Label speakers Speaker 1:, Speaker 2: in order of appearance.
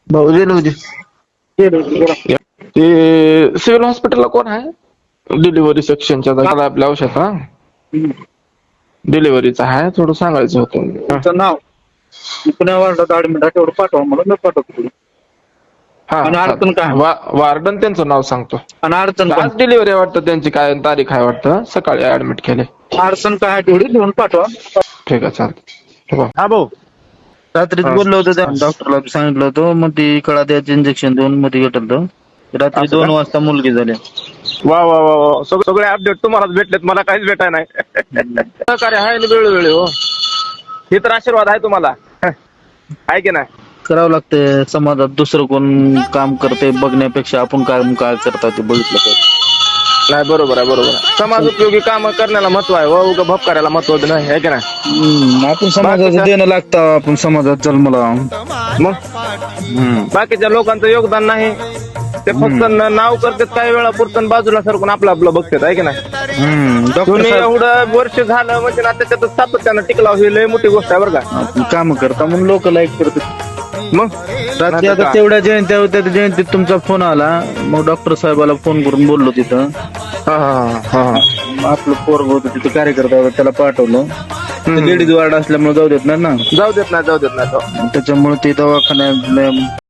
Speaker 1: भाऊ होते ते सिव्हिल हॉस्पिटलला कोण आहे डिलिव्हरी सेक्शनच्या जागा आपल्या औषध हा डिलिव्हरीचं आहे थोडं सांगायचं होतं
Speaker 2: तुमचं नाव पुण्या वार्डात ऍडमिट आहे तेवढं पाठवा मला मी पाठवतो पुढे.
Speaker 1: हा
Speaker 2: आणि अडचण काय?
Speaker 1: वार्डन त्यांचं नाव सांगतो
Speaker 2: आणि अडचण काय?
Speaker 1: आज डिलिव्हरी वाटतं त्यांची काय तारीख आहे वाटतं सकाळी ऍडमिट केले
Speaker 2: अडचण काय आहे तेवढी लिहून पाठवा.
Speaker 1: ठीक आहे चालतं
Speaker 3: हा भाऊ.
Speaker 2: रात्रीच बोललो होतो त्या डॉक्टरला सांगितलं होतं मग ती कळा द्यायचं इंजेक्शन देऊन मध्ये घेतलं रात्री
Speaker 1: असं
Speaker 2: 2
Speaker 1: का?
Speaker 2: वाजता मुलगी झाली.
Speaker 3: वा वा वा वा सगळे अपडेट तुम्हालाच भेटलेत मला काहीच भेटाय नाही.
Speaker 1: सहकार्य आहे ना वेळोवेळी हो
Speaker 3: हे तर आशीर्वाद आहे तुम्हाला आहे की नाही.
Speaker 2: करावं लागतंय समाजात दुसरं कोण काम करते बघण्यापेक्षा आपण काय करता ते बघितलं पाहिजे.
Speaker 1: नाही बरोबर आहे समाज उपयोगी काम करण्याला महत्व आहे व उगा भपकार्याला महत्व नाही आहे की नाही
Speaker 2: आपण समाजाचं देणं लागतं आपण समाजात जन्मला.
Speaker 1: मग बाकीच्या लोकांचं योगदान नाही ते फक्त नाव करतात काही वेळा पुरतं बाजूला सरकून आपलं बघतात आहे की नाही
Speaker 2: डॉक्टर
Speaker 1: तुम्ही एवढं वर्ष झालं म्हणजे ना त्याच्यात सातत्यानं टिकला ही लय मोठी गोष्ट आहे बरं का
Speaker 2: काम करता म्हणून लोक लाईक करतात.
Speaker 1: मग
Speaker 2: रात्री आता तेवढ्या जयंत्या होत्या त्या जयंतीत तुमचा फोन आला मग डॉक्टर साहेबाला फोन करून बोललो तिथं आपलं पोरग होतं तिथं कार्यकर्ता होता त्याला पाठवलं लेडीज वार्ड असल्यामुळे जाऊ देत नाही ना
Speaker 1: जाऊ देत नाही
Speaker 2: त्याच्यामुळे ते दवाखान्यात